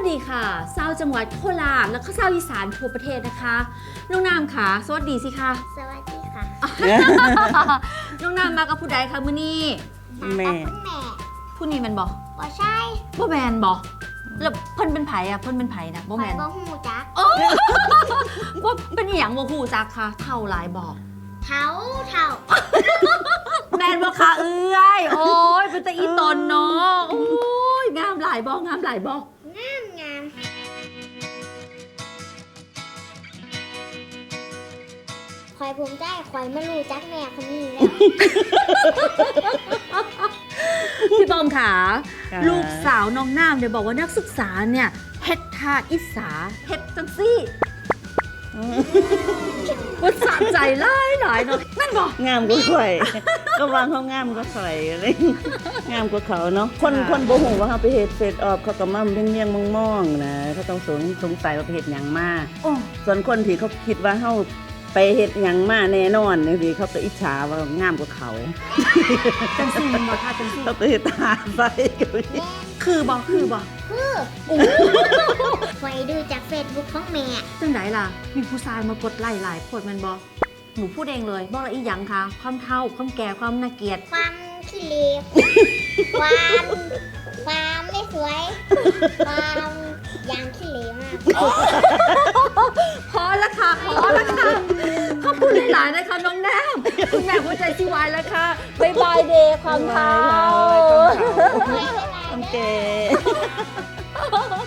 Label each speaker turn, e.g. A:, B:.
A: ดีค่ะชาวจังหวัดโคราชแล้วก็ชาวอีสานทั่วประเทศนะคะน้องน้ำค่ะสวัสดีสิคะ
B: สวัสดีค่ะ
A: น้องน้ำมากับผู้ใดคะมื้อนี้
B: แม่คุณแม่
A: ผู้นี้แมันบอก
B: บ่ใช่
A: บ่แมนบอกแล้วเพิ่นเป็นไผอะเพิ่นเป็นไผนะบ่แมน
B: บ่หูจัก
A: ว่าเป็นอหย่างบ่ฮู้จักค่ะเท่าหลายบอก
B: เท้า
A: แมนบ่ค่ะเอื้อยโอ้ยเป็นตะอีตนเนาะโอ้ยงามหลายบ่งามหลายบ่
B: งามคอยภูมิใจคอยไม่รู้จักแม่คนนี้แล้ว
A: พี่บอมค่ะ
C: ค่ะ
A: ลูกสาวน้องน้ำเนี่ยบอกว่านักศึกษาเนี่ยเฮ็ดท่าอิสาเฮ็ดจังซี่ว่าสะใจหลายเนาะนั่นบอก
C: งามกว่าข่อย ก็วางเขางามกว่าข่อยอะไรงามกว่าเขาเนาะคน
A: ค่ะ
C: คนบ่ฮู้ว่าเขาไปเฮ็ดเฟซออฟเขาก็มาเมี่ยงๆมองๆนะเขาต้องสงสัยว่าไปเฮ็ดหยังมา
A: โอ้
C: ส่วนคนที่เขาคิดว่าเฮาไปเฮ็ดหยังมาแน่นอนนี่สิเขาก็อิจฉาว่างามกว่าเขา
A: จังซี่มันบอกค่ะจังซี่
C: เขาก็เฮ็ดตาใส่อยู่
B: แม่
A: คือบอก
B: คอยดูจากเฟซบุ๊กของแม่
A: จังไดล่ะ มีผู้ชายมากดไล่หลายคนมันบอกหนูพูดเองเลยบอกละอีหยังคะความเฒ่าความแก่ความน่าเกลียด
B: ความขี้เหร่ความไม่สวย ความยางขี้เหร่มาก
A: พอละค่ะขอบคุณหลายๆนะคะน้องน้ำคุณแม่หัวใจสิวายแล้วค่ะบ๊ายบายเดย์ความเฒ่า
C: โอเค